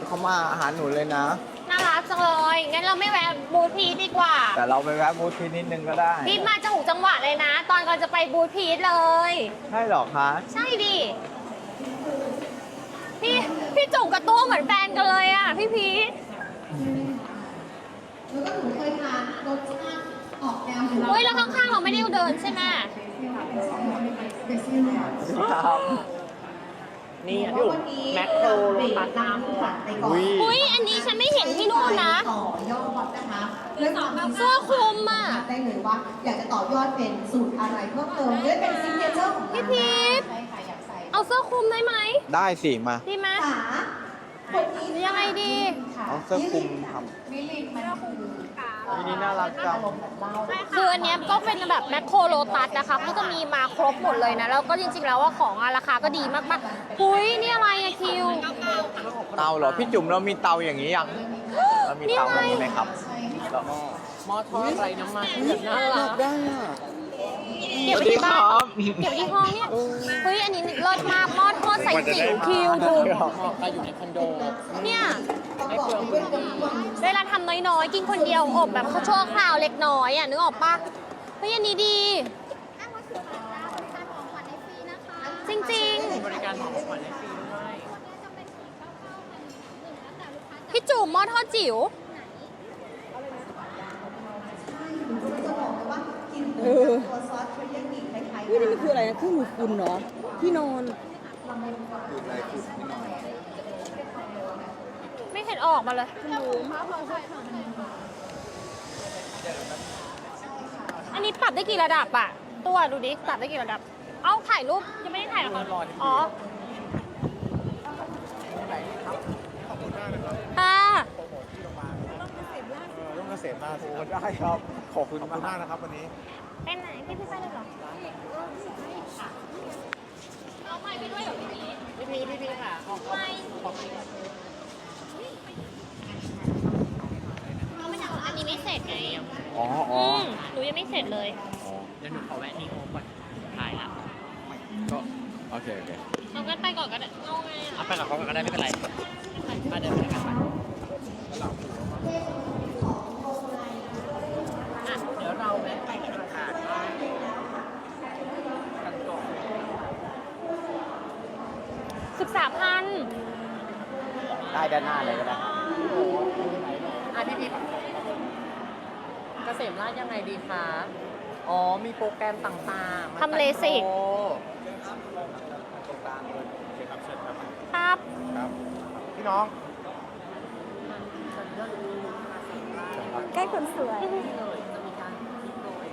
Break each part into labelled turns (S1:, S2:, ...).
S1: เขามาหาหนูเลยนะ
S2: น่ารักจังเลย งั้นเราไม่แวะบูธพีทดีกว่า
S1: แต่เราไปแวะบูธพีนิดนึงก็ได้
S2: พีทมาจะหูจังหวะเลยนะ ตอนก่อนจะไปบูธพีทเลย
S1: ใช่หรอคะ
S2: ใช่ดิ พี่จุกกับตัวเหมือนแฟนกันเลยอ่ะ พี่พีท
S3: แล้วก็หนูเคยทานรสชาติออกแนวเหมือน
S2: เฮ้ยแล้วข้างๆเราไม่ได้เดินใช่ไหม
S3: เบซิลเนี่ย
S1: ครับ
S4: นี่พี่อุ๋มแมคโครโลตัส
S3: น้ำผัดไปก่อน
S2: อุ้ยอันนี้ฉันไม่เห็นที่นู่นนะ
S3: ต่อยอดนะคะด้วยความที่
S2: เสื้อคลุมอะ
S3: ได้เลยว่าอยากจะต่อยอดเป็นสูตรอะไรเพิ่มเติมด้วยเป็นซิกเนเจอร์ของร้าน
S2: พี่พีท
S3: ใช่ค่ะอยากใส่
S2: เอาเสื้อคลุมได้ไหม
S1: ได้สิมา
S2: ดีไหม
S3: ขาคนนี้
S2: ยังไงดี
S1: เอาเสื้อคลุมท
S3: มิลินมันคือ
S1: มินิน่ารักจัง
S2: คืออันเนี้ยก็เป็นแบบแมคโครโลตัสนะคะก็จะมีมาครบหมดเลยนะ แล้วก็จริงๆแล้วว่าของอะราคาก็ดีมากๆอุ้ยนี่อะไรอะคิว
S1: เตาเหรอ พี่จุ๋มเรามีเตาอย่างนี้ยังเรามีเตาแบบนี้ไหมครับแล้ว
S4: หม้อทอดไร้น้ำมันแบบน่ารัก
S1: ได้อ่ะ
S2: เก็บไว้ที่บ้านเก็บไว้ที่ห้องเนี่ยเฮ้ยอันนี้เลิศมากหม้อทอดใส่จิ๋วคิวดู
S4: เหมาะกับอยู่ในคอนโด
S2: เนี่ย
S4: ไม่เปลืองพื้นที่
S2: เวลาทำน้อยๆ กินคนเดียวอบแบบข้าวชั่วคราวเล็กน้อยอ่ะนึกออกปะเฮ้ยอันนี้ดี จริง
S4: บริการของขวัญในฟรีด้วย
S2: ๆ พี่จุ๋มหม้อทอดจิ๋ว
S3: หนูก็จะบอกเลยว่ากินตัวซอสเทริยากิคล้ายๆ
S5: นี่มันคืออะไรนะเครื่องมือคุณเนาะที่นอน
S2: ไม่เห็นออกมาเลย อันนี้ปรับได้กี่ระดับอะตัวดูดิ ปรับได้กี่ระดับ เอาถ่ายรูปยังไม่ได้ถ่ายหรอคะอ๋อค่ะ
S6: ร่วมเกษตรมาสิ
S1: โอ้ได้ครับ ขอบคุณ
S6: ขอบคุณาก ก
S1: มาม
S6: นะครับวันนี้
S2: เป็นไหนพี่ไปเลยเหรอเอาไม้ไปด้วยเหรอพี่พี
S4: พี่ค่ะของ
S2: ไม่เอาไม่อยากอันนี้ไม่เสร็จไง
S1: อ๋ออ๋อ
S2: หนูยังไม่เสร็จเลย
S4: เดี๋ยวหนูขอแวะนี่โอก่อนถ่ายละ
S1: ก็โอเคโอเค
S2: เอากันไปก่อนก็ได้เอาไง
S4: เอา
S2: อ่ะ
S4: ไปกับเขาก็ได้ไม่เป็นไรมาเดินไปด้วยกันไปอ่ะเดี๋ยวเราแวะไปธนาคารกันก่อน
S2: 13,000
S1: ได้ด้านหน้าเลยก็ได้
S4: อ่ะพี่เกษมราชยังไงดีคะ อ๋อ มีโปรแกรมต่างๆ
S2: ทำเลสิก
S4: โอ้
S2: ครับ
S6: ครับพี่น้อง
S5: ใกล้คนสวย
S4: จะมีการคิดโดย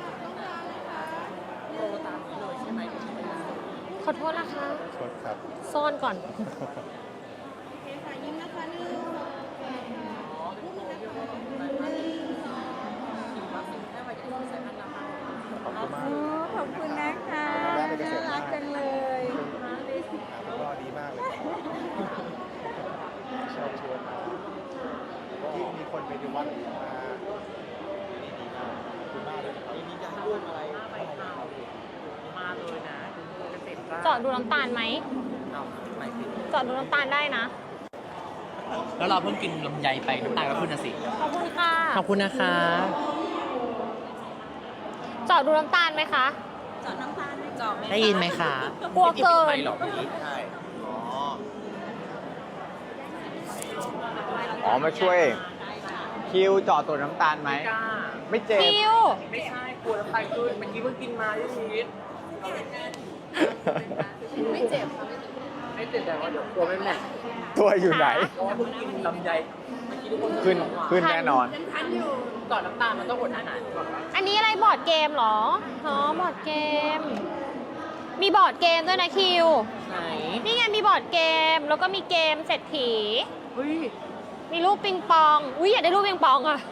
S4: โปรตามนี้เลยใช่ไหม
S2: ขอโทษนะคะ
S6: สดครับ
S2: ซ่อนก่อน
S6: ขอบคุณมาก
S5: ขอบคุณนะคะ
S6: แม่ไปเกษ
S5: น่า
S6: ตร
S5: รักจังเลย
S6: ก็ดีมากเลยเชิญชวนมาที่มีคนไปดูวัดมานี่ดีมากขอบคุณมากเลยมีการร่วมอะไร
S4: มาเลยนะเกษตรราช
S2: เจาะดูน้ำตาลไหม
S4: เอาไม่ผิด
S2: เจาะดูน้ำตาลได้นะ
S4: แล้วเราเพิ่งกินลำไยไปน้ำตาลก็ขึ้นนะสิ
S2: ขอบคุณค่ะ
S4: ขอบคุณนะคะ
S2: เจาะดูน้ำตาลไหมคะ
S4: ได้ยินไหมคะ
S2: กลัวเกิน
S4: ไม่หรอกพี่
S1: ใช่ อ๋อ มาช่วย คิวเจอดตัวน้ำตาลไหม
S4: กล้า
S1: ไม่เจ็บ
S2: คิว
S4: ไม่ใช่กลัวน้ำตาลขึ้นเมื่อกี้เพิ่งกินมาที่ชีวิตไม่เจ็บแต่ว่าเดี๋ยวกลัวไม่แม่น
S1: ตัวอยู่ไหน
S4: เพราะว่าเพิ่งกินลำไยเมื่อกี้ทุกคน
S1: ขึ้นแน่นอน
S4: ก่อนน้ำตาลมันต้องอดอาหารก่อนวะ
S2: อันนี้อะไรบอร์ดเกมเหรอ อ๋อ บอร์ดเกม มีบอร์ดเกมด้วยนะคิว
S4: ไหน
S2: นี่ไงมีบอร์ดเกม แล้วก็มีเกมเศรษฐี
S4: เฮ้ย
S2: มีลูกปิงปอง อุ้ยอยากได้ลูกปิงปองอะ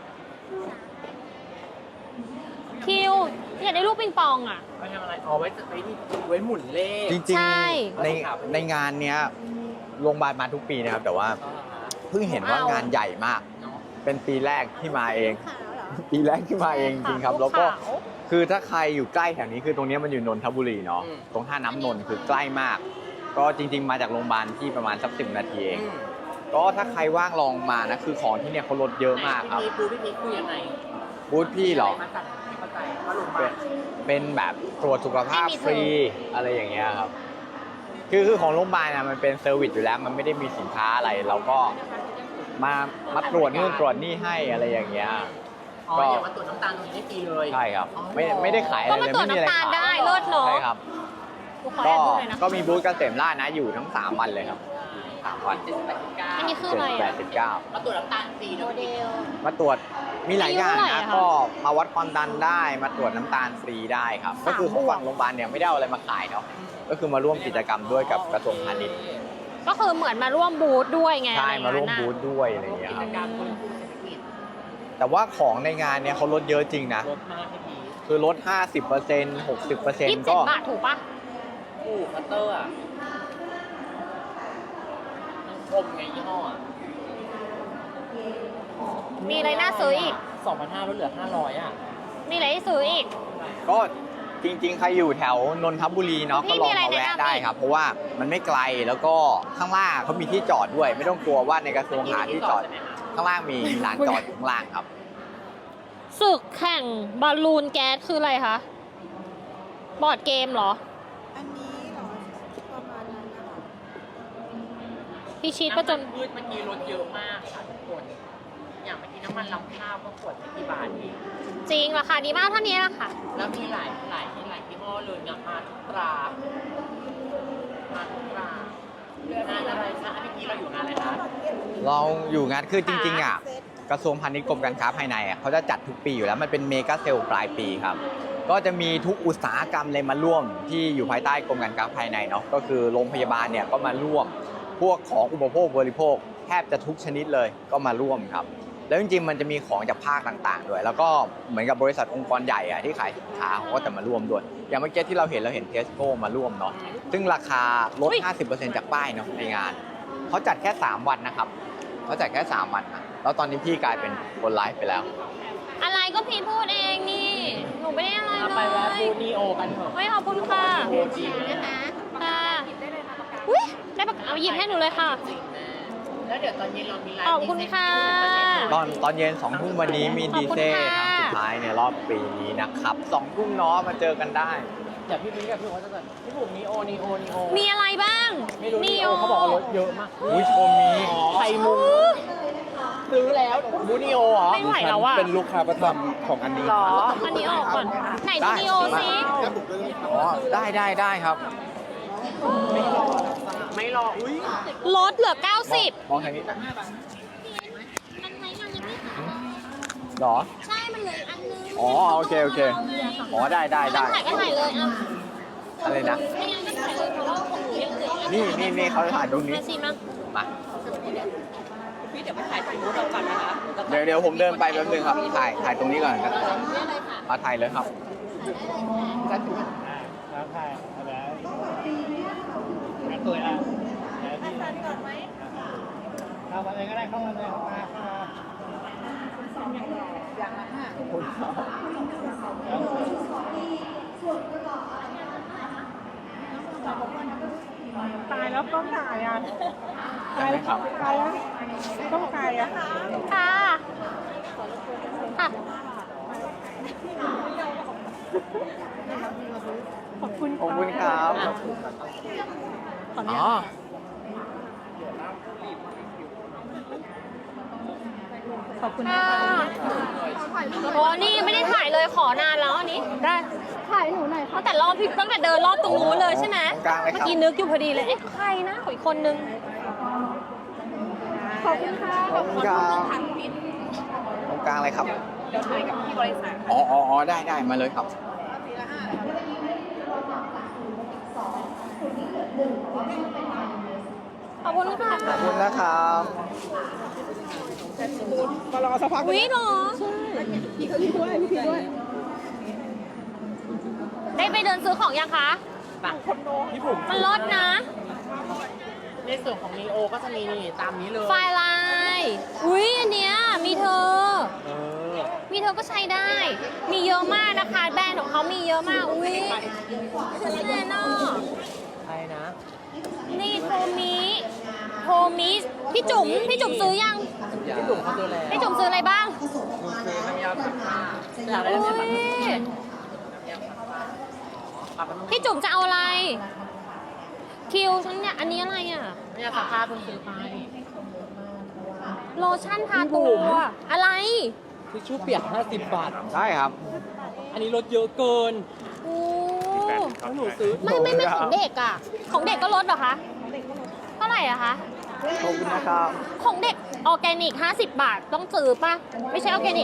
S2: คิว อยากได้ลูกปิงปองอะ
S4: ไปทำอะไรอ๋อไว้นี่ไว้หมุนเลข
S1: จริง
S2: ใช่
S1: ๆ ในงานเนี้ยโรงพยาบาลมาทุกปีนะครับ แต่ว่าเพิ่งเห็นว่างานใหญ่มาก
S4: เนาะ
S1: เป็นปีแรกที่มาเอง ปีแรกที่มาเองจริงๆครับ แล้วก็
S2: ขาว
S1: คือถ้าใครอยู่ใกล้แถวนี้คือตรงเนี้ยมันอยู่นนทบุรีเนาะ
S4: อืม
S1: ตรงท่าน้ำนนท์คือใกล้มาก ก็จริง ๆ มาจากโรงพยาบาลที่ประมาณสัก10 นาทีเอง
S4: อืม
S1: ก็ถ้าใครว่างลองมานะคือของที่เนี่ยเขาลดเยอะมากครับ
S4: พี่พีคือยังไง
S1: บูธพี่เหรอ
S4: มาจากไม่เข้าใจว่าลง
S1: เป็
S4: มาน
S1: เป็นแบบตรวจสุขภาพฟรีอะไรอย่างเงี้ยครับ คือของโรงพยาบาลนะมันเป็นเซอร์วิสอยู่แล้ว มันไม่ได้มีสินค้าอะไร เราก็มาตรวจนู่นตรวจนี่ให้อะไรอย่างเงี้ย
S4: อ๋ออย่ามาตรวจน้ำตาลตรงนี้ได้ฟรีเลย
S1: ใช่ครับ ไม่ได้ขายอะไร
S2: ก็มา
S1: เลย
S2: ตรวจ
S1: ไม่มีอะไร
S2: น้ำตาล
S1: ขาย
S2: ได้เลิศเนาะ
S1: ใช่ครับ
S2: กูขอแอบดูหน่อยนะ
S1: ก็มีบูธเกษมราชนะอยู่ทั้ง3วันเลยครับ3วัน
S2: อันนี้คืออะไร
S1: แป
S2: อ่ะ
S1: ดสิบเก้า
S4: มาตรวจน้ำตาลฟรีนะพี่
S1: มาตรวจมีหลายอย่าง
S2: อายุเท่าไหร่
S1: นะ
S2: อะคะ
S1: ก็มาวัดความดันได้มาตรวจน้ำตาลฟรีได้ครับ ก็คือของฝั่งโรงพยาบาลเนี่ยไม่ได้เอาอะไรมาขายเนาะก็คือมาร่วมกิจกรรมด้วยกับกระทรวงพาณิชย์
S2: ก็คือเหมือนมาร่วมบูธด้วยไง
S1: ใช่
S2: อะไร
S1: มา
S2: อย่ง
S1: ร่วม
S2: นั้น
S1: บู
S2: น่ะ
S1: ธด้วยอะไรอย่างเงี้ย
S4: กิ
S1: ค
S4: จ
S1: รับ
S4: การฟื้นฟูเศรษฐกิจ
S1: แต่ว่าของในงานเนี่ยเขาลดเยอะจริงนะ
S4: ลดมากพี่พี
S1: คือลด 50% 60%
S2: 27
S1: ก็
S2: บาทถูกปะ
S4: อู้คัตเตอร์อ่ะมันคมไงยี่ห้ออ่ะ
S2: มีอะไรน่าซื้ออีก
S4: 2,500ลดเหลือ500อ่ะ
S2: มีอะไรให้ซื้ออีก
S1: ก็จริงๆ ใครอยู่แถวนนทบุรีเนาะ
S2: พี่
S1: ก็ลอง
S2: มีอะไร
S1: มาแวะ
S2: แนะนำ
S1: ได้
S2: อีก
S1: ครับ เพราะว่ามันไม่ไกลแล้วก็ข้างล่างเขามีที่จอดด้วย ไม่ต้องกลัวว่าในกระทรวงหาที่จอด ข้างล่างมีลานจอดอยู่ข้างล่างครับ
S2: ศึกแข่งบอลลูนแก๊สคืออะไรคะ บอร์ดเกมเหรอ
S5: อันนี้เหรอ ประมาณนั้นนะคะ
S2: พี่ชีตประจน
S4: พืชเมื่อกี้ลดเยอะมากค่ะทุกคน อย่างเมื่อกี้น้ำมันลำข้าวก็ขวดไม่กี่บาทเอง
S2: จริงราคาดีมากเท่านี้แหละค่ะ
S4: แล้วมีหลายยี่ห้อเลยเนี่ยมาทุกตรา มาทุกตรางานอะไรคะเมื่อกี้เราอยู่งานอะไรคะ
S1: เราอยู่งานคือจริงๆอ่ะกระทรวงพาณิชย์กรมการค้าภายในอ่ะเขาจะจัดทุกปีอยู่แล้วมันเป็นเมกาเซลปลายปีครับ ก็จะมีทุกอุตสาหกรรมเลยมาร่วมที่อยู่ภายใต้กรมการค้าภายในเนาะก็คือโรงพยาบาลเนี่ยก็มาร่วม พวกของอุปโภคบริโภคแทบจะทุกชนิดเลยก็มาร่วมครับ แล้วจริงๆมันจะมีของจากภาคต่างๆด้วยแล้วก็เหมือนกับบริษัทองค์กรใหญ่อะที่ขายสินค้าเขาก็จะมาร่วมด้วยอย่างเมื่อกี้ที่เราเห็นเทสโก้มาร่วมเนาะซึ่งราคาลด 50% จากป้ายเนาะในงานเขาจัดแค่3วันนะครับเขาจัดแค่3วันนะแล้วตอนนี้พี่กลายเป็นคนไลฟ์ไปแล้ว
S2: อะไรก็พี่พูดเองนี่ หนูไม่ได้อะไร
S4: เอา
S2: เล
S4: ไปแวะ
S2: ย
S4: ฟูนีโอกันเถอะ
S2: ไม่ขอบคุณค่ะ
S4: โอจริงนะ
S2: ค่ะอุ้ยได้ปากเอาหยิบให้หนูเลยค่ะ
S4: จริงนะแล้วเดี๋ยวตอนเย็นเรามีไลฟ์
S2: ขอบคุณค่ะ
S1: ตอนเย็น2 ทุ่มวันนี้มี
S2: ขอบ
S1: ดี
S2: คุณ
S1: เซ่
S2: ค่ะ
S1: ครั้งสุดท้ายในรอบปีนี้นะครับ2 ทุ่มเนาะมาเจอกันได้
S4: เดี๋ยวพี่บิ๊กกับพี่โอ๊ตจะแบบพี่บุ๋มนีโอ
S2: มีอะไรบ้าง
S4: ไม่รู้นี
S2: นี่
S4: โอเขาบอกว่าลดเยอะมาก
S1: อุ้ยโชมมี
S4: ไข่มุงซื้อแล้วบูนีโอเหรอ
S2: ไม่ไหวแล้วอ่ะ
S6: เป็นลูกค้าประจำของอันนี้
S4: หรอ
S2: อันนี้ออกก่อน ไหนดูดีโอซิ
S1: อ๋อได้ครับ
S4: ไม่รออุ้ย
S2: ลดเหลือ 90
S1: มองทางนี้
S2: มันไหนมันยังไม่หาย
S1: หรอ
S2: ใช่ มันเหลืออีกอันนึง
S1: อ๋อโอเคอ๋อได้
S2: ถ่ายก็ถ่ายเลยอ่ะ
S1: อะไรนะ
S2: ไม่งั้นก็ถ่ายเลยเพราะว่าของหนูยังเหลืออีกอัน
S1: นี่เขาถ่ายตรงนี้
S2: มาสิมา
S1: มา
S4: พี่เดี๋ยวไปถ่ายถ่ายรูปเราก่อนนะคะ
S1: เดี๋ยวผมเดินไปแป๊บนึงครับถ่ายตรงนี้ก่อนนะมาถ่ายเลยครับ
S6: แล้วถ่ายอะไรตัวอ่ะพี่ถ่ายก่อนไหมเข้ามาเลยก็ได้เข้ามาเลยเข้ามาอย่างละ5
S5: ตายแล้วต้องถ่ายอ่ะ
S1: ได้ไหมครับ
S5: ตายแล้วต้องถ่ายอ่ะ
S2: ค่ะ ค่ะ
S5: ขอบคุณ
S1: ขอบคุณครับ อ๋อ
S5: ขอบคุณ
S2: ค่ะ
S5: นะคะ
S2: โอ้นี่ไม่ได้ถ่ายเลยขอนานแล้วอันนี้ ได้ ถ่ายหนูหน่อยตั้งแต่เดินรอบตรงนู้นเลยใช่ไหม
S1: ตรงกลางเลยครับ
S2: เมื่อกี้นึกอยู่พอดีเลย เอ๊ะใครนะขออีกคนนึง
S5: ขอบคุณค่ะ
S1: ขอบคุณครับตรงกลางเลยครับ
S5: เดี๋ยวถ่ายกับพี่บริษัท
S1: อ๋อได้มาเลยครับ
S2: ขอบคุณค่ะ
S1: ขอบคุณนะครับ
S5: มารอสักพัก
S2: วิเหรอ
S5: พี่เขาพี่ด้วยพี่ด้วย
S2: ได้ไปเดินซื้อของยังคะ
S4: พี่บุ๋ม
S2: มันลดนะ
S4: ในส่วนของนีโอก็จะมีนี่ตามนี้เลย
S2: ไฟลายอุ้ยอันเนี้ยมีเธอ มีเธอก็ใช้ได้ มีเยอะมากนะคะ แบรนด์ของเขามีเยอะมาก อุ้ยแน่นอน
S4: ใช่นะ
S2: นนี่โทมิพี่จุ๋มซื้อยัง
S4: พี่ตุ่มเขาดูแล
S2: พี่จุ๋มซื้ออะไรบ้าง
S4: คือน้ำยาซักผ้าอยากได้
S2: อุ๊
S4: น้ำยาซักผ้า
S2: ยพี่จุ๋มจะเอาอะไร คิวฉันเนี่ยอันนี้อะไรอ่ะ
S4: น้ำยาซักผ้าเพิ่งซื้อไป
S2: โลชั่นทาตัวอะไร
S4: ทิชชู่เปียก50 บาท
S1: ได้ครับ
S4: อันนี้ลดเยอะเกิน
S2: โอ้
S4: แล้วหนูซื้อ
S2: ไม่ของเด็กอ่ะ ของเด็กก็ลดเหรอคะเท่าไหร่อะคะ
S1: ขอบคุณนะครับ
S2: ของเด็กออร์แกนิก50 บาทต้องซื้อป่ะ ไม่ใช่ออร์แกนิก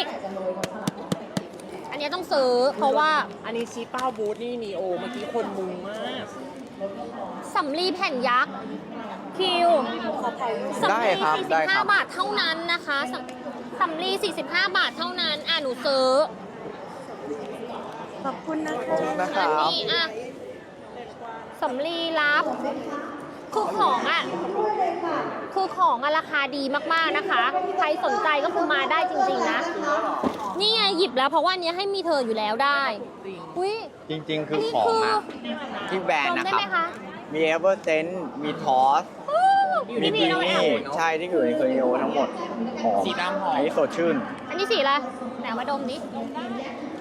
S2: อันนี้ต้องซื้อเพราะว่า
S4: อันนี้ชีเป้าบูธนี่นีโอเมื่อกี้คนมุงมาก
S2: สำลีแผ่นยักษ์คิวสำ
S1: ได้
S2: ลี
S1: ครับได้ครับ
S2: 45 บาทเท่านั้นนะคะสำลี45 บาทเท่านั้นหนูซื้อ
S5: ขอบคุณนะ
S1: ขอบคุณนะค
S2: อั
S1: รั
S2: น
S1: บ
S2: นี้สำลีรับคือของราคาดีมากๆนะคะ ใครสนใจก็คือมาได้จริงๆนะ นี่ไงหยิบแล้วเพราะว่าอันนี้ให้มีเธออยู่แล้วได้อุ้ย
S1: จริง ๆ คื
S2: อัน
S1: อ
S2: นี้
S1: ของ
S2: คือ
S1: อ่ะที่แบรน
S2: ด
S1: ด์
S2: ม
S1: นะ
S2: ได้
S1: ครั
S2: ไหม
S1: บ
S2: คะ
S1: มีเอเวอร์เซนต์มีทอส มี
S2: นี่
S1: บี
S2: เรา
S1: นี่ใช่ที่อยู่ในคอนโดทั้งหมดหอม
S4: สีดำหอม
S1: อันนี้สดชื่น
S2: อันนี้สีอะไรไหนเอามาดมดิ